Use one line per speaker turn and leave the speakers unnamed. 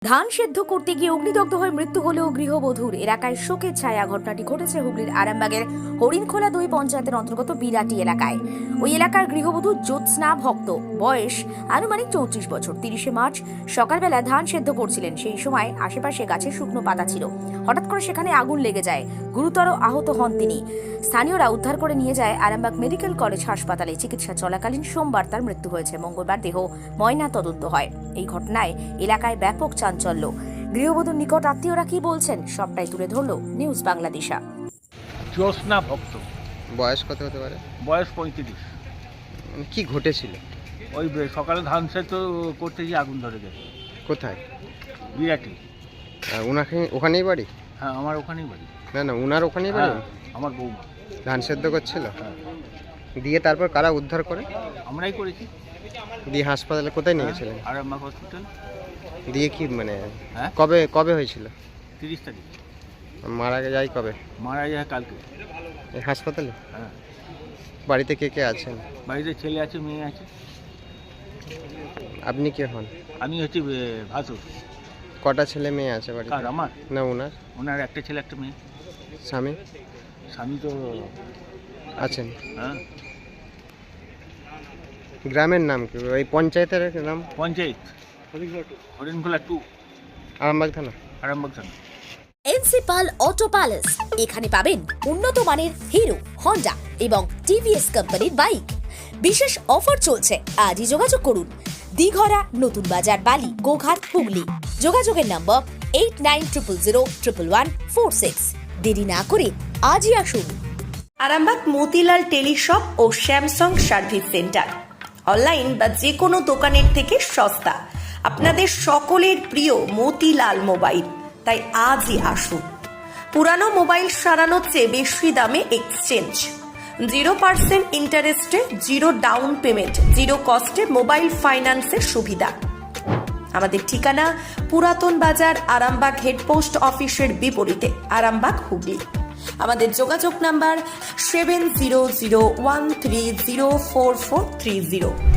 ধান সেদ্ধ করতে গিয়ে অগ্নিদগ্ধ হয়ে মৃত্যু হলেও গৃহবধূর। এলাকায় শোকের ছায়া। ঘটনাটি ঘটেছে হুগলির আরামবাগের হরিণখোলা ২ পঞ্চায়েতের অন্তর্গত বিরাটি এলাকায়। ওই এলাকার গৃহবধূ জ্যোৎস্না ভক্ত, বয়স আনুমানিক ৩৪ বছর। ৩০শে মার্চ সকালবেলা ধান সেদ্ধ করছিলেন। সেই সময় আশেপাশে গাছে শুকনো পাতা ছিল। হঠাৎ করে সেখানে আগুন লেগে যায়। গুরুতর আহত হন তিনি। স্থানীয়রা উদ্ধার করে নিয়ে যায় আরামবাগ মেডিকেল কলেজ হাসপাতালে। চিকিৎসা চলাকালীন সোমবার তার মৃত্যু হয়েছে। মঙ্গলবার দেহ ময়না তদন্ত হয়। এই ঘটনায় এলাকায় ব্যাপক চাঞ্চল্য। গৃহবধূর নিকট আত্মীয়রা কি বলছেন সবটাই তুলে ধরল নিউজ বাংলাদেশা।
জ্যোৎস্না ভক্ত,
বয়স কত হতে পারে?
বয়স ৩৫।
কি ঘটেছিল?
ওই সকালে ধান সেদ্ধ করতে গিয়ে আগুন ধরে গেছে।
কোথায়?
বিরাটি।
ওনাকে ওখানেই বাড়ি?
হ্যাঁ, আমার ওখানেই বাড়ি।
না, উনার ওখানেই বাড়ি।
হ্যাঁ, আমার বৌমা
ধান সেদ্ধ করছিল।
হ্যাঁ,
দিয়ে তারপর কারা উদ্ধার করে?
আমরাই করেছি।
দিয়ে হাসপাতালে কোথায় নিয়ে গেছিলেন?
আরামবাগ হসপিটাল।
দিয়ে কি মানে
হ্যাঁ,
কবে হয়েছিল?
৩০ তারিখ।
মারা যায় কবে?
মারা যায় কালকে।
এই হাসপাতালে?
হ্যাঁ,
বাড়িতে কে কে আছেন?
বাড়িতে ছেলে আছে, মেয়ে আছে।
আপনি কে হন?
আমি হচ্ছি ভাসুর।
কটা ছেলে মেয়ে আছে বাড়িতে?
কার? আমার।
না, ওনার
ওনার একটা ছেলে একটা মেয়ে।
স্বামী
স্বামী তো
আছেন?
হ্যাঁ।
গ্রামের নাম কি? ওই পঞ্চায়েতের নাম?
পঞ্চায়েত হরিণখোলা 2,
আরামবাগ থানা।
আরামবাগ থানা।
এনসিপাল অটো প্যালেস। এখানে পাবেন উন্নত মানের হিরো, হন্ডা এবং টিভিএস কোম্পানির বাইক। বিশেষ অফার চলছে, আজই যোগাযোগ করুন। দিঘরা, নতুন বাজার, বালি, গোঘাট, হুগলি। যোগাযোগের নম্বর 8900011146। দেরি না করে আজই আসুন।
আরামবাগ মতিলাল টেলিশপ ও স্যামসাং সার্ভিস সেন্টার। অনলাইন বা যে কোনো দোকানের থেকে সস্তা। আপনাদের সকলের প্রিয় মতিলাল মোবাইল। তাই আজই আসুন। পুরানো মোবাইল সারানোর চেয়ে বেশি দামে এক্সচেঞ্জ। 0% ইন্টারেস্টে, 0 ডাউন পেমেন্ট, 0 কস্টে মোবাইল ফাইন্যান্সের সুবিধা। আমাদের ঠিকানা পুরাতন বাজার, আরামবাগ হেডপোস্ট অফিসের বিপরীতে, আরামবাগ, হুগলি। আমাদের যোগাযোগ নাম্বার 7001304430।